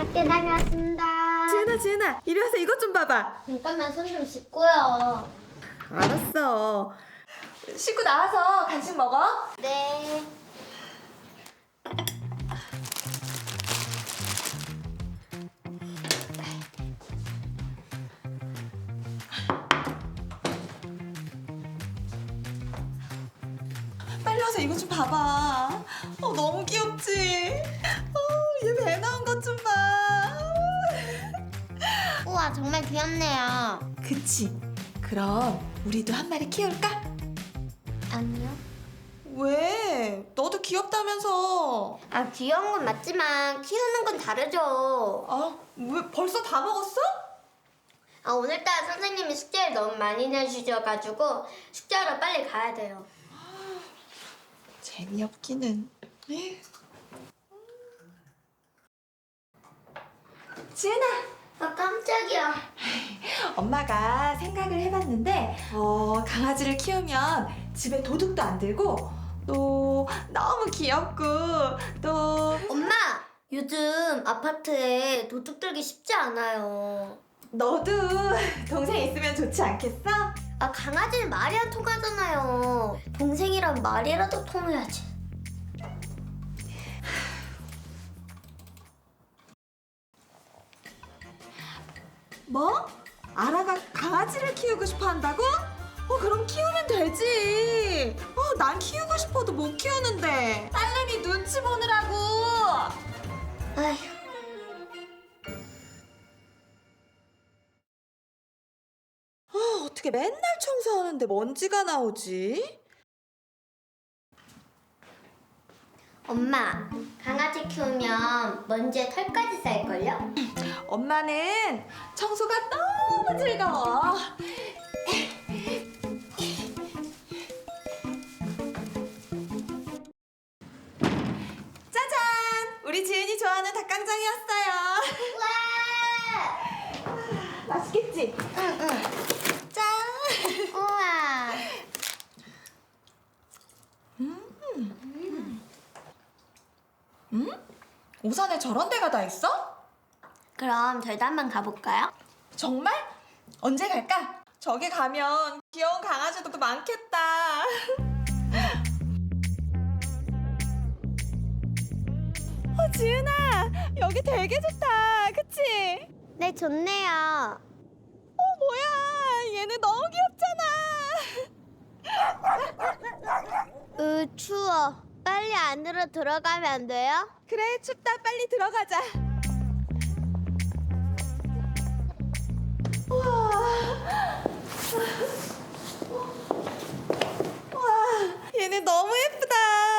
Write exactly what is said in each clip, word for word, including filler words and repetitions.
학교 다녀왔습니다. 지은아 지은아 이리 와서 이것 좀 봐봐. 잠깐만 손 좀 씻고요. 알았어. 씻고 나와서 간식 먹어. 네. 빨리 와서 이것 좀 봐봐. 어 너무 귀엽지? 어얘 배 나온 것 좀 봐. 우와 정말 귀엽네요. 그치? 그럼 우리도 한 마리 키울까? 아니요. 왜? 너도 귀엽다면서. 아 귀여운 건 맞지만 키우는 건 다르죠. 아 왜 벌써 다 먹었어? 아 오늘따라 선생님이 숙제를 너무 많이 내주셔가지고 숙제하러 빨리 가야 돼요. 재미없기는. 에휴. 지은아, 아 깜짝이야. 엄마가 생각을 해봤는데 어, 강아지를 키우면 집에 도둑도 안 들고 또 너무 귀엽고 또 엄마! 요즘 아파트에 도둑 들기 쉽지 않아요. 너도 동생 있으면 좋지 않겠어? 아 강아지는 말이야 통하잖아요. 동생이랑 말이라도 통해야지. 뭐? 아라가 강아지를 키우고 싶어 한다고? 어 그럼 키우면 되지. 어 난 키우고 싶어도 못 키우는데 딸내미 눈치 보느라고. 아휴. 아 어떻게 맨날 청소하는데 먼지가 나오지? 엄마, 강아지 키우면 먼지에 털까지 쌓일걸요? 엄마는 청소가 너무 즐거워. 짜잔! 우리 지은이 좋아하는 닭강정이 왔어요. 우와! 맛있겠지? 응, 응. 짠! 우와! 음? 오산에 저런 데가 다 있어? 그럼 저희도 한번 가볼까요? 정말? 언제 갈까? 저기 가면 귀여운 강아지도 많겠다. 어, 지은아, 여기 되게 좋다. 그치? 네, 좋네요. 어, 뭐야. 얘는 너무 귀엽잖아. 으, 추워. 빨리 안으로 들어가면 안 돼요? 그래, 춥다. 빨리 들어가자. 우와. 와, 얘는 너무 예쁘다.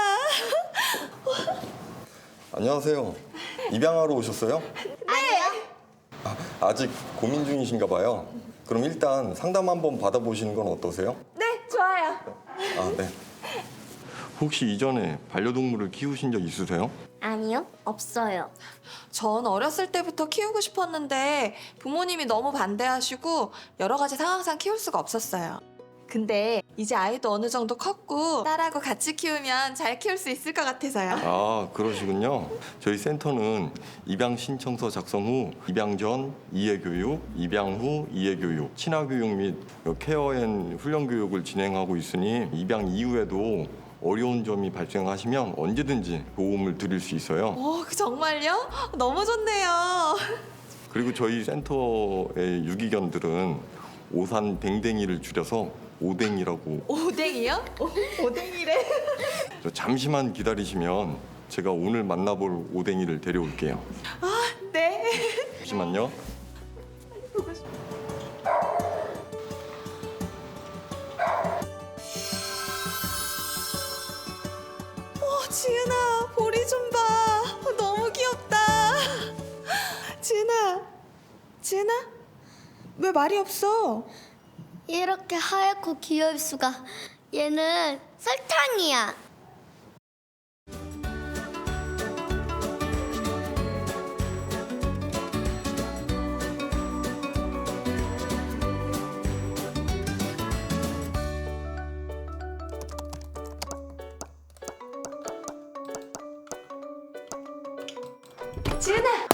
안녕하세요. 입양하러 오셨어요? 아니요. 아, 아직 고민 중이신가 봐요. 그럼 일단 상담 한번 받아보시는 건 어떠세요? 네, 좋아요. 아, 네. 혹시 이전에 반려동물을 키우신 적 있으세요? 아니요, 없어요. 전 어렸을 때부터 키우고 싶었는데 부모님이 너무 반대하시고 여러 가지 상황상 키울 수가 없었어요. 근데 이제 아이도 어느 정도 컸고 딸하고 같이 키우면 잘 키울 수 있을 것 같아서요. 아, 그러시군요. 저희 센터는 입양 신청서 작성 후 입양 전 이해교육, 입양 후 이해교육, 친화교육 및 케어앤 훈련 교육을 진행하고 있으니 입양 이후에도 어려운 점이 발생하시면 언제든지 도움을 드릴 수 있어요. 오, 정말요? 너무 좋네요. 그리고 저희 센터의 유기견들은 오산 댕댕이를 줄여서 오댕이라고. 오뎅이요? 오, 오뎅이래. 저 잠시만 기다리시면 제가 오늘 만나볼 오댕이를 데려올게요. 아, 네. 잠시만요. 보고 싶어. 어, 지은아, 보리 좀 봐. 어, 너무 귀엽다. 지은아, 지은아, 왜 말이 없어? 이렇게 하얗고 귀여울 수가. 얘는 설탕이야. 지은아,